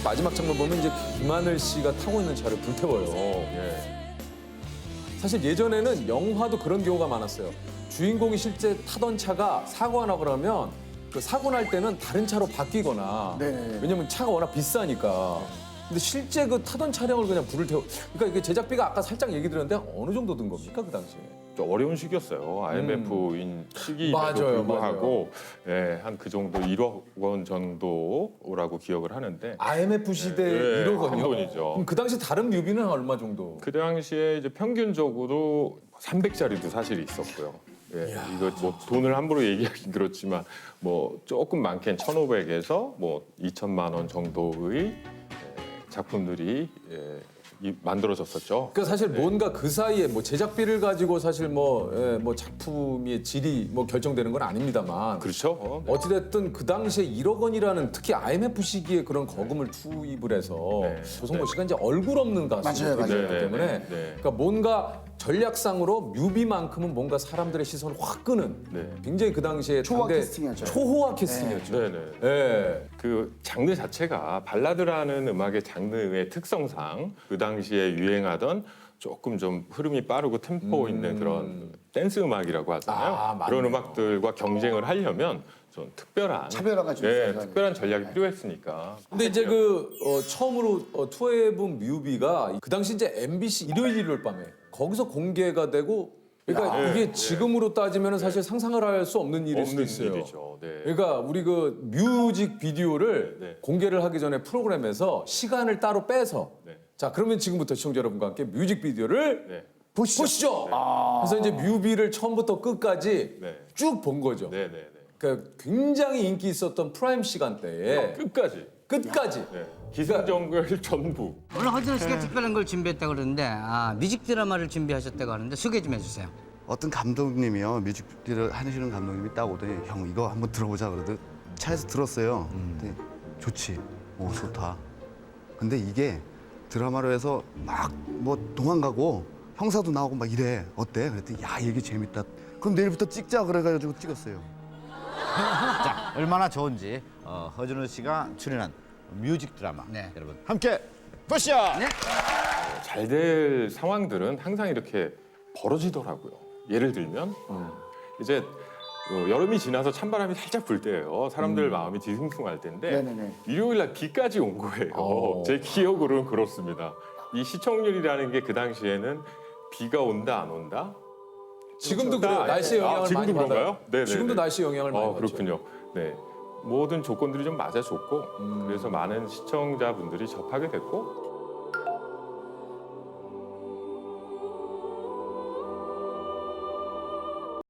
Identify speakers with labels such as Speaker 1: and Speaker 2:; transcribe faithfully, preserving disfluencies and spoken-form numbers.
Speaker 1: 마지막 장면 보면 이제 김하늘 씨가 타고 있는 차를 불태워요. 예. 사실 예전에는 영화도 그런 경우가 많았어요. 주인공이 실제 타던 차가 사고가 나고 그러면 그 사고 날 때는 다른 차로 바뀌거나
Speaker 2: 네네.
Speaker 1: 왜냐면 차가 워낙 비싸니까. 근데 실제 그 타던 차량을 그냥 불을 태워. 그러니까 이게 제작비가 아까 살짝 얘기 드렸는데 어느 정도 든 겁니까 그 당시에?
Speaker 3: 좀 어려운 시기였어요. 아이엠에프인 시기임에도
Speaker 1: 맞아요,
Speaker 3: 불구하고 예, 한 그 정도 일억 원 정도라고 기억을 하는데
Speaker 1: 아이엠에프 시대
Speaker 3: 예,
Speaker 1: 일억 원이요?
Speaker 3: 큰 돈이죠.
Speaker 1: 그럼 그 당시 다른 뮤비는 얼마 정도?
Speaker 3: 그 당시에 이제 평균적으로 삼백짜리도 사실 있었고요. 예, 이거 뭐 돈을 함부로 얘기하긴 그렇지만 뭐 조금 많게는 천오백에서 뭐 이천만 원 정도의 예, 작품들이 예, 이, 만들어졌었죠.
Speaker 1: 그러니까 사실 뭔가 그 사이에 뭐 제작비를 가지고 사실 뭐, 예, 뭐 작품의 질이 뭐 결정되는 건 아닙니다만
Speaker 3: 그렇죠. 어, 네.
Speaker 1: 어찌됐든 그 당시에 일억 원이라는 특히 아이엠에프 시기에 그런 거금을 투입을 해서
Speaker 3: 네.
Speaker 1: 조성모
Speaker 3: 네.
Speaker 1: 씨가 이제 얼굴 없는 가수이기
Speaker 2: 맞아요, 맞아요.
Speaker 3: 네,
Speaker 1: 때문에
Speaker 3: 네, 네.
Speaker 1: 그러니까 뭔가 전략상으로 뮤비만큼은 뭔가 사람들의 시선을 확 끄는
Speaker 3: 네.
Speaker 1: 굉장히 그 당시에
Speaker 2: 초호화
Speaker 1: 당대
Speaker 2: 캐스팅이었죠.
Speaker 1: 초호화 캐스팅이었죠.
Speaker 3: 네, 네.
Speaker 1: 예.
Speaker 3: 그 장르 자체가 발라드라는 음악의 장르의 특성상 그 당시에 유행하던 조금 좀 흐름이 빠르고 템포 있는 그런 댄스 음악이라고 하잖아요.
Speaker 1: 아, 맞네요.
Speaker 3: 그런 음악들과 경쟁을 하려면 좀 특별한
Speaker 2: 차별화가 좀
Speaker 3: 예,
Speaker 2: 있어요.
Speaker 3: 특별한 전략이 필요했으니까.
Speaker 1: 근데 이제 그 어, 처음으로 어, 투어해본 뮤비가 그 당시 이제 엠비씨 일요일 일요일 밤에 거기서 공개가 되고 그러니까
Speaker 3: 야,
Speaker 1: 이게
Speaker 3: 네,
Speaker 1: 지금으로 따지면 사실 상상을 할 수 없는 일일 수도
Speaker 3: 없는
Speaker 1: 있어요.
Speaker 3: 일이죠. 네.
Speaker 1: 그러니까 우리 그 뮤직 비디오를
Speaker 3: 네, 네.
Speaker 1: 공개를 하기 전에 프로그램에서 시간을 따로 빼서
Speaker 3: 네.
Speaker 1: 자 그러면 지금부터 시청자 여러분과 함께 뮤직 비디오를
Speaker 3: 네.
Speaker 2: 보시죠.
Speaker 1: 보시죠. 그래서 이제 뮤비를 처음부터 끝까지
Speaker 3: 네.
Speaker 1: 쭉 본 거죠.
Speaker 3: 네, 네, 네.
Speaker 1: 그러니까 굉장히 인기 있었던 프라임 시간대에
Speaker 3: 끝까지.
Speaker 1: 끝까지
Speaker 3: 네. 기승전결 전부.
Speaker 4: 오늘 허준호 씨가 특별한 걸 준비했다고 그러는데 아, 뮤직 드라마를 준비하셨다고 하는데 소개 좀 해주세요.
Speaker 5: 어떤 감독님이요 뮤직비디오를 하시는 감독님이 딱 오더니 형 이거 한번 들어보자 그러더니 차에서 들었어요. 근데 좋지, 오 좋다. 근데 이게 드라마로 해서 막 뭐 도망가고 형사도 나오고 막 이래 어때? 그랬더니 야 이게 재밌다. 그럼 내일부터 찍자 그래가지고 찍었어요.
Speaker 6: 자, 얼마나 좋은지 어, 허준호 씨가 출연한 뮤직 드라마
Speaker 4: 네.
Speaker 6: 여러분 함께 보시죠.
Speaker 4: 네.
Speaker 3: 잘 될 상황들은 항상 이렇게 벌어지더라고요. 예를 들면 이제 어, 여름이 지나서 찬바람이 살짝 불 때예요. 사람들 마음이 뒤숭숭할 때인데
Speaker 2: 네네네.
Speaker 3: 일요일 날 비까지 온 거예요.
Speaker 1: 어.
Speaker 3: 제 기억으로는 그렇습니다. 이 시청률이라는 게 그 당시에는 비가 온다 안 온다?
Speaker 1: 지금도
Speaker 3: 다
Speaker 1: 그래요. 날씨의
Speaker 3: 아,
Speaker 1: 영향을
Speaker 3: 지금도
Speaker 1: 많이 받아요.
Speaker 3: 그런가요? 네네네.
Speaker 1: 지금도 날씨 영향을 많이
Speaker 3: 어,
Speaker 1: 받죠.
Speaker 3: 그렇군요. 네. 모든 조건들이 좀 맞아줬고 그래서 많은 시청자분들이 접하게 됐고